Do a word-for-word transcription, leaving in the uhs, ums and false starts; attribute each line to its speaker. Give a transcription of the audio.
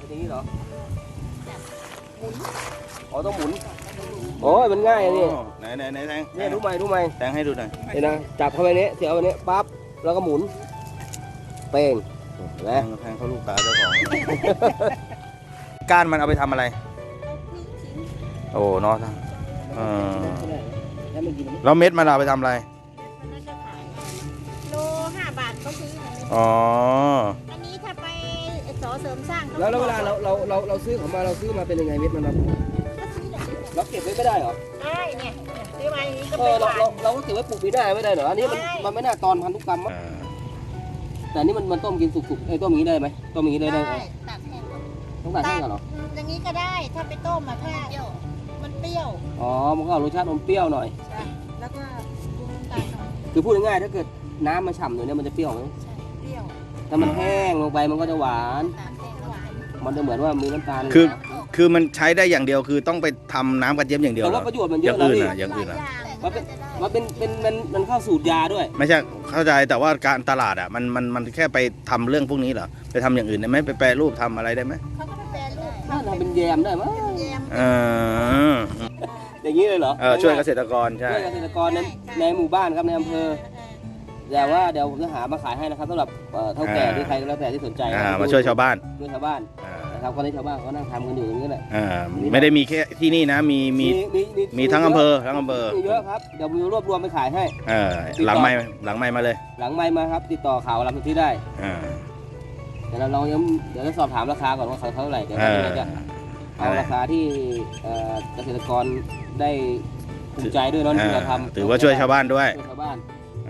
Speaker 1: อย่างนี้เหรออ๋อต้องหมุนโอ้ยมันง่ายอันนี้
Speaker 2: ไหนไหนไหนแทง
Speaker 1: เนี่ยรู้ไหมรู้ไหม
Speaker 2: แทงให้ดูหน่อย
Speaker 1: เห็นนะจับเข้าไปเนี้ยเสียบไปเนี้ยปั๊บแล้วก็หมุนเป้งเห็นไหม
Speaker 2: แทงแทงเขาลูกตาเจ้าของก้านมันเอาไปทำอะไรโอ้เนาะเออ
Speaker 1: แล้วมันกินไหม
Speaker 2: แล้วเม็ดมันเอาไปทำอะไร
Speaker 3: โลห้าบาทเขาซื้อ
Speaker 2: อ๋อ
Speaker 3: อันนี้ถ้าไปสอเสริมสร้างข
Speaker 1: แล้วแล้วเวลาเราเราเราเราซื้อของมาเราซื้อมาเป็นยังไงเม็ดมันเรา
Speaker 3: ก็ซื้อแบบนี้
Speaker 1: เราเก็บไว้ไม่ได้เหรอ
Speaker 3: ได้เนี่ยซื้อมาอย่างนี้ก็
Speaker 1: เอ
Speaker 3: ไป
Speaker 1: อเรา
Speaker 3: ขาย
Speaker 1: เราเราก็เก็บไว้ปลูกปีหน้าไม่ได้เหรออันนี้มัน
Speaker 3: ได้
Speaker 1: มันไม่น่าตอนพันธุกรรมมั้ง
Speaker 2: อ่า
Speaker 1: แต่อันนี่มันมันต้มกินสุกๆไอ้ยต้มอย่างนี้ได้ไหมต้มอย่างนี้ได้ได้ไหม
Speaker 3: ตัดแห้งก่อน
Speaker 1: ต้องตัดแห้งก่อนเหรอ
Speaker 3: อย่างนี้ก็ได้ถ้าไปต้มมาถ้ามันเปรี้ยว
Speaker 1: อ๋อมันก็เอารสชาติอมเปรี้ยวหน่อย
Speaker 3: ใช่แล้วก็ปรุงน้ำตาลหน่อย
Speaker 1: คือพูดง่ายๆถ้าเกิดน้ำมันฉ่ำหน่อยเนี่ยมันจะเปรี้ยวไหม
Speaker 3: ใช่เปรี้ยว
Speaker 1: ถ้ามันแห้งลงไปมันก็จะหวาน
Speaker 3: ตาลแห้งหวาน
Speaker 1: มันจะเหมือนว่ามีน้ำตาล
Speaker 2: คือคือมันใช้ได้อย่างเดียวคือต้องไปทำน้ำกระเจี๊ยบอย่างเดียว
Speaker 1: แต่
Speaker 2: เหร
Speaker 1: ว่า
Speaker 2: อ
Speaker 1: ประโยชน์มัน
Speaker 2: อ
Speaker 1: เย
Speaker 2: ย่า
Speaker 1: อะ
Speaker 2: ง
Speaker 1: นะ
Speaker 2: อื่น
Speaker 1: พี่
Speaker 2: อ่ะอย่างอื่นอ่ะ
Speaker 1: มันเป็น มันเป็นเป็นมันมันเข้าสูตรยาด้วย
Speaker 2: ไม่ใช่เข้าใจแต่ว่าการตลาดอ่ะมันมันมันแค่ไปทำเรื่องพวกนี้เหรอไปทำอย่างอื่นได้ไหมไปแปรรูปทำอะไรได้ไหม
Speaker 3: เขาก็ไปแปรรูป
Speaker 1: น่าทำเป็นแยมได้มั้ย
Speaker 3: เป็นแยม
Speaker 2: เออ
Speaker 1: อย่างนี้เลยเหรอ
Speaker 2: เออช่วยเกษตรกรใช่
Speaker 1: ช่วยเกษตรกรในในหมู่บ้านครับในอำเภอแต่ว่าเดี๋ยวผมจะหามาขายให้นะครับสำหรับเอ่อเท่าแก่หรือใครก็แล้วแต่ที่สนใจ
Speaker 2: อ่ามาช่วยชาวบ้าน
Speaker 1: ช่วยชาวบ้าน
Speaker 2: อ่า
Speaker 1: นะครับคนที่ชาวบ้านเขานั่งทำกันอยู่อย่างนี้แหละ
Speaker 2: อ่าไม่ได้มีแค่ที่นี่นะมีมี
Speaker 1: มีมี
Speaker 2: มีทั้งอำเภอทั้งอำเภอ
Speaker 1: มีเยอะครับเดี๋ยวผมจะรวบรวมไปขายให้
Speaker 2: เออหลังไม้หลังไม้มาเลย
Speaker 1: หลังไมค์มาครับ ติดต่อข่าวรับที่ได้
Speaker 2: อ่า
Speaker 1: เดี๋ยวเราลองยังเดี๋ยวจะสอบถามราคาก่อนว่าเขาเท่าไหร่เดี๋ยว
Speaker 2: เอ
Speaker 1: เรา
Speaker 2: อ
Speaker 1: จะเอาราคาที่เอ่อเกษตรกรได้ภูมิใจด้วยเนาะที่เราทำ
Speaker 2: ถือว่าช่วยชาวบ้านด้วย
Speaker 1: ช่วยชาวบ้าน
Speaker 2: อ